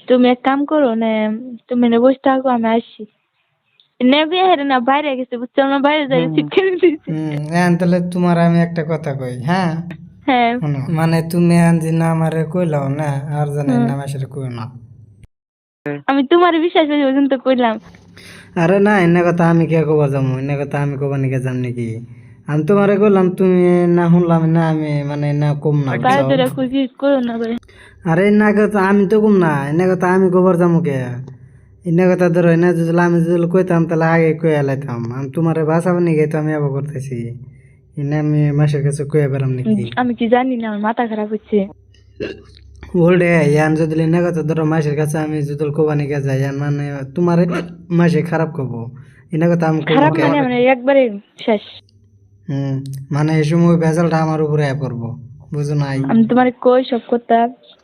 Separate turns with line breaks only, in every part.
তুমি এক কাম করো না, তুমি না বসে থাকো, আমি আসছি। নেবে হেরে না বাইরে গেছে, বুঝছো না, বাইরে যাই শিক্ষা দিয়েছি।
তাহলে তোমার আমি একটা কথা কই, হ্যাঁ
হ্যাঁ
শোনো, মানে তুমি আনজি না আমারে কইলাও না, আর জানেন না মাসের কই না।
আমি তোমার বিশ্বাস করে পর্যন্ত কইলাম।
আরে না, এনে কথা আমি কে কবার যাবো, এনে কথা আমি কবার নিকে যাম নাকি? আমি তোমারে কইলাম, তুমি না শুনলাম না, আমি মানে না কম না
বাইরে
বুঝছো?
ধরে খুশি করো না করে।
আরে এনে কথা আমি তো কম না, এনে কথা আমি কবার যাবো কে? এনে কথা ধরো, এনে যদি আমি যদি কইতাম তাহলে আগে কয়ে লাইতাম। আমি তোমারে বাঁচাবো নাকি, তো আমি আবার করতেছি। এনে আমি মাসের কাছে কয়ে বেড়াম নাকি?
আমি কি জানি না, আমার মাথা খারাপ হচ্ছে।
ওল্ডে ইয়ান যদি এনে কথা ধরো মাসের কাছে আমি যদি কোবানি কে যাই, ইয়ান মানে তোমার মাসে খারাপ করবো, এনে কথা আমি কব
খারাপ
কে?
মানে মানে একবারে শেষ।
মানে এই সময় ভেজালটা আমার উপরে পড়বো, বুঝো নাই?
আমি তোমার কই সব কথা।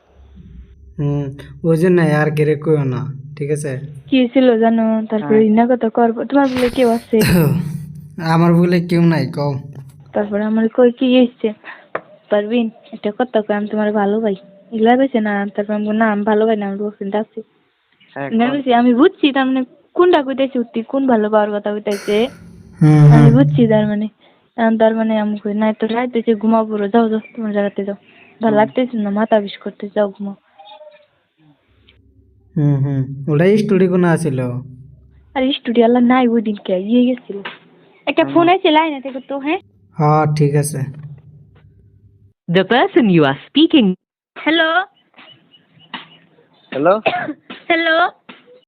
ওই জন্য আর কেড়ে কইও না, ঠিক আছে?
কি ছিল জানো, তারপরে ইনা কথা করবো, তোমার বলে কেউ আছে?
আমার বলে কেউ নাই, কও।
তারপরে আমার কই কি হয়েছে, পারবিন একটা কথা কই, আমি তোমার ভালো ভাই, এগুলা কইছে না। তারপর আমি বললাম, না আমি ভালো ভাই না, আমি বলছি আছে। আমি বুঝছি তার মানে কোনটা কইতেছি, তুই কোন ভালো পাওয়ার কথা কইতেছে। আমি বুঝছি তার মানে। তার মানে আমি কই না, তো রাইতেছে ঘুমাবো, যাও যাও তোমার জায়গাতে যাও, ভালো লাগতেছে না, মাথা বিষ করতে, যাও ঘুমাও।
ওটাই স্টোরি কোন আছিল?
আর স্টুডিও আল্লাহ নাই, ওই দিন কে ইয়ে গেছিল, একটা ফোন আছে লাইনে থেকে তো। হ্যাঁ
হ্যাঁ ঠিক আছে।
The person you are speaking.
Hello
hello
hello